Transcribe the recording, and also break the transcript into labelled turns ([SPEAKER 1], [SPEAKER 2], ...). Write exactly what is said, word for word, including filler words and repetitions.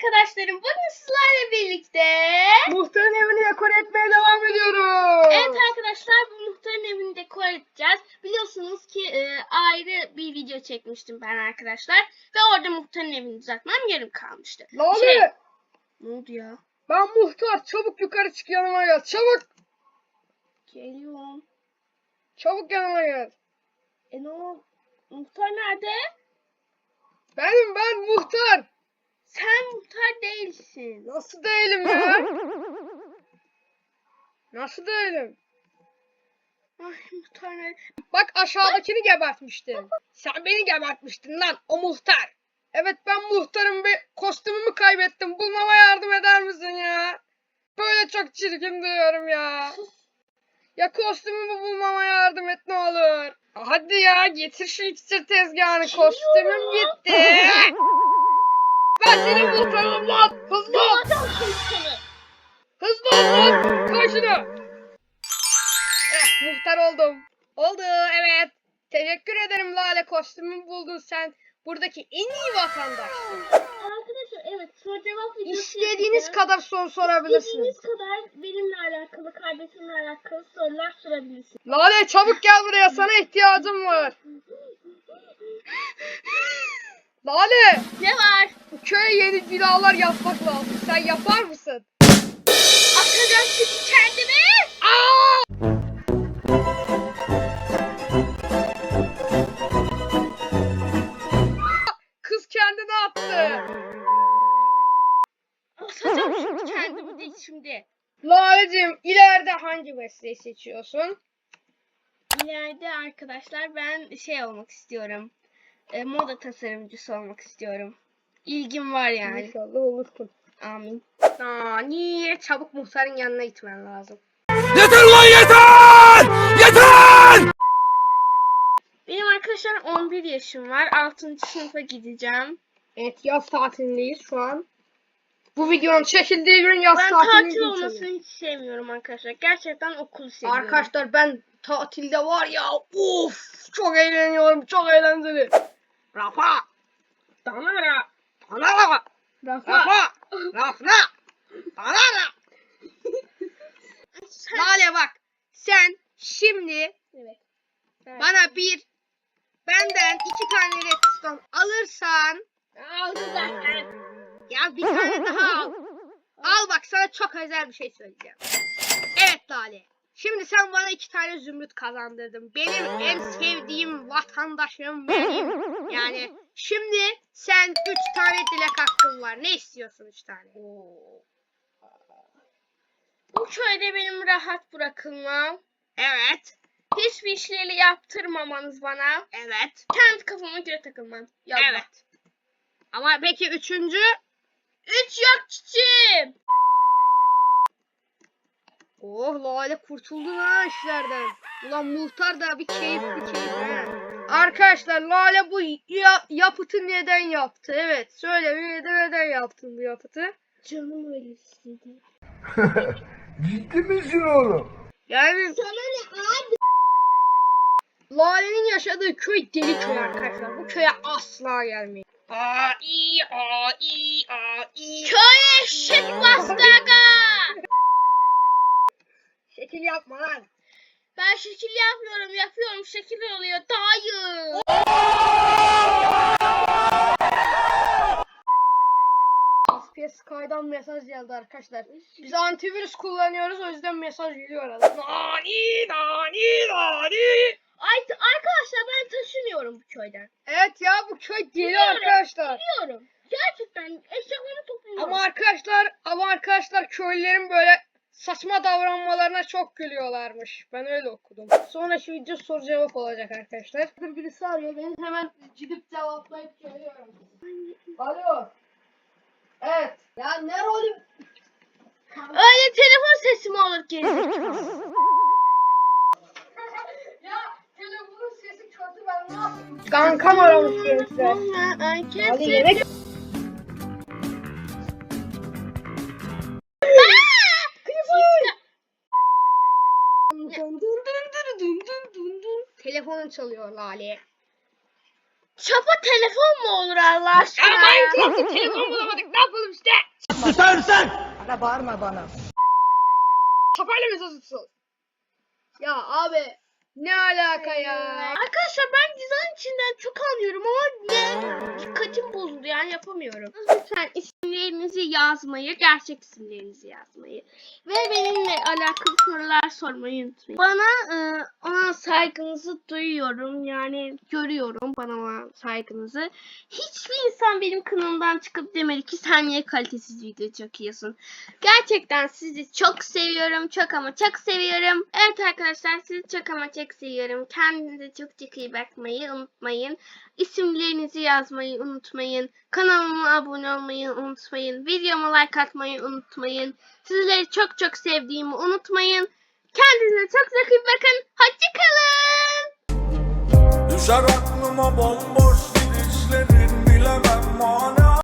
[SPEAKER 1] arkadaşlarım, bugün sizlerle birlikte
[SPEAKER 2] muhtarın evini dekore etmeye devam ediyoruz.
[SPEAKER 1] Evet arkadaşlar, bu muhtarın evini dekore edeceğiz. Biliyorsunuz ki e, ayrı bir video çekmiştim ben arkadaşlar. Ve orada muhtarın evini düzeltmem yarım kalmıştı.
[SPEAKER 2] Lale.
[SPEAKER 1] Şey, ne oldu ya?
[SPEAKER 2] Ben muhtar, çabuk yukarı çık, yanıma gel. Çabuk.
[SPEAKER 1] Geliyorum.
[SPEAKER 2] Çabuk yanıma gel.
[SPEAKER 1] E ne oldu? Muhtar nerede?
[SPEAKER 2] Benim ben muhtar.
[SPEAKER 1] Sen muhtar değilsin.
[SPEAKER 2] Nasıl değilim ya? Nasıl değilim?
[SPEAKER 1] Ay muhtar nerede?
[SPEAKER 2] Bak aşağıdakini gebertmiştin. Sen beni gebertmiştin lan, o muhtar. Evet ben muhtarım, bir kostümümü kaybettim. Bulmama yardım eder misin ya? Böyle çok çirkin diyorum ya. Ya kostümümü bulmama yardım et ne olur. Hadi ya, getir şu iksir tezgahını. Kostümüm gitti. Ben senin muhtarım lan. Hızlı ol.
[SPEAKER 1] Adam şimdi seni.
[SPEAKER 2] Hızlı ol lan. Koy şunu. Eh, muhtar oldum. Oldu, evet. Teşekkür ederim Lale, kostümümü buldun sen. Buradaki en iyi vatandaş.
[SPEAKER 1] Arkadaşlar evet, soru cevap videosu
[SPEAKER 2] İstediğiniz
[SPEAKER 1] yapacağız.
[SPEAKER 2] kadar soru sorabilirsiniz.
[SPEAKER 1] İstediğiniz kadar benimle alakalı, kardeşimle alakalı sorular sorabilirsiniz.
[SPEAKER 2] Lale çabuk gel buraya, sana ihtiyacım var. Lale,
[SPEAKER 1] Ne var?
[SPEAKER 2] bu köye yeni binalar yapmak lazım. Sen yapar mısın?
[SPEAKER 1] Atacağım şimdi kendimi.
[SPEAKER 2] Aa! Kız kendini attı.
[SPEAKER 1] Atacağım şimdi kendimi de şimdi.
[SPEAKER 2] Laleciğim, ileride hangi mesleği seçiyorsun?
[SPEAKER 1] İleride arkadaşlar ben şey olmak istiyorum. E, moda tasarımcısı olmak istiyorum. İlgim var yani.
[SPEAKER 2] İnşallah olursun.
[SPEAKER 1] Amin.
[SPEAKER 2] Aa, niye? Çabuk muhtarın yanına gitmen lazım.
[SPEAKER 3] Yeter lan yeter! Yeter!
[SPEAKER 1] Benim arkadaşlar on bir yaşım var. altıncı sınıfa gideceğim.
[SPEAKER 2] Evet, yaz tatilindeyiz şu an. Bu videonun çekildiği gün yaz
[SPEAKER 1] Ben
[SPEAKER 2] tatilini
[SPEAKER 1] tatil
[SPEAKER 2] geçiyor.
[SPEAKER 1] olmasını hiç sevmiyorum arkadaşlar. Gerçekten okulu seviyorum.
[SPEAKER 2] Arkadaşlar ben tatilde var ya, of çok eğleniyorum, çok eğlenceli. Rafa. Danara. Danara.
[SPEAKER 1] Rafa.
[SPEAKER 2] Rafa. Rafa. Danara. Lale bak, sen şimdi
[SPEAKER 1] Evet. Evet.
[SPEAKER 2] bana bir, benden iki tane redstone alırsan,
[SPEAKER 1] Aldı zaten.
[SPEAKER 2] ya bir tane daha al. Al bak, sana çok özel bir şey söyleyeceğim. Evet Lale. Şimdi sen bana iki tane zümrüt kazandırdın. Benim en sevdiğim vatandaşım benim. Yani şimdi sen üç tane dilek hakkın var. Ne istiyorsun üç tane?
[SPEAKER 1] Bu köyde benim rahat bırakılmam.
[SPEAKER 2] Evet.
[SPEAKER 1] Hiçbir işleri yaptırmamanız bana.
[SPEAKER 2] Evet.
[SPEAKER 1] Kendi kafama göre takılmam. Yallah.
[SPEAKER 2] Evet. Ama peki üçüncü?
[SPEAKER 1] Üç yok çiçeğim.
[SPEAKER 2] Oh Lale, kurtuldun ha işlerden. Ulan muhtar da bir keyifli keyif ha. Arkadaşlar Lale bu ya yapıtı neden yaptı? Evet, söyle neden, neden yaptın bu yapıtı?
[SPEAKER 1] Canım öyle istedi.
[SPEAKER 3] Ciddi misin oğlum?
[SPEAKER 2] Yani
[SPEAKER 1] Sana ne abi?
[SPEAKER 2] Lale'nin yaşadığı köy deli köy arkadaşlar. Bu köye asla gelmeyin. Aa iyi aa iyi aa iyi.
[SPEAKER 1] Köy eşek bastı aga.
[SPEAKER 2] Şekil yapma lan.
[SPEAKER 1] Ben şekil yapmıyorum, yapıyorum, şekil oluyor. Dayı.
[SPEAKER 2] S P S Sky'dan mesaj geldi arkadaşlar. Biz antivirüs kullanıyoruz, o yüzden mesaj geliyor arada. Nani nani nani.
[SPEAKER 1] Ay, arkadaşlar ben taşınıyorum bu köyden.
[SPEAKER 2] Evet ya, bu köy deli
[SPEAKER 1] Biliyorum,
[SPEAKER 2] arkadaşlar.
[SPEAKER 1] Biliyorum. Gerçekten eşekleri topluyorum.
[SPEAKER 2] Ama arkadaşlar, ama arkadaşlar köylülerin böyle saçma davranmalarına çok gülüyorlarmış. Ben öyle okudum. Sonra şu video soru cevap olacak arkadaşlar. Birisi arıyor, beni hemen gidip cevaplayıp geliyorum. Alo. Evet. Ya ne rolüm?
[SPEAKER 1] Öyle telefon sesi mi olur gerizekalı?
[SPEAKER 2] Ya telefonun sesi kötü, ben ne yapayım? Kankam aramış gençler. Hadi yemek. Telefonun çalıyor Lale.
[SPEAKER 1] Çapa telefon mu olur Allah aşkına?
[SPEAKER 2] Ya Minecraft'ta telefon bulamadık, ne yapalım işte?
[SPEAKER 4] Da bağırma bana.
[SPEAKER 2] Kafayla mesaj atıyorsun. Ya abi ne alaka ya?
[SPEAKER 1] Arkadaşlar ben dizayn içinden çok anlıyorum ama ne? Dikkatim bozuldu yani yapamıyorum. Lütfen isimlerinizi yazmayı, gerçek isimlerinizi yazmayı ve benimle alakalı sorular sormayı unutmayın. Bana e, ona saygınızı duyuyorum yani görüyorum bana olan saygınızı. Hiçbir insan benim kanalımdan çıkıp demedi ki sen niye kalitesiz video çekiyorsun. Gerçekten sizi çok seviyorum, çok ama çok seviyorum. Evet arkadaşlar sizi çok ama çok seviyorum. Kendinize çok çok iyi bakmayı unutmayın. İsimlerinizi yazmayı unutmayın. Kanalıma abone olmayı unutmayın. Videoma like atmayı unutmayın. Sizleri çok çok sevdiğimi unutmayın. Kendinize çok çok iyi bakın. Hoşçakalın.
[SPEAKER 5] Düşer aklıma bomboş gidişlerin, bilemem mani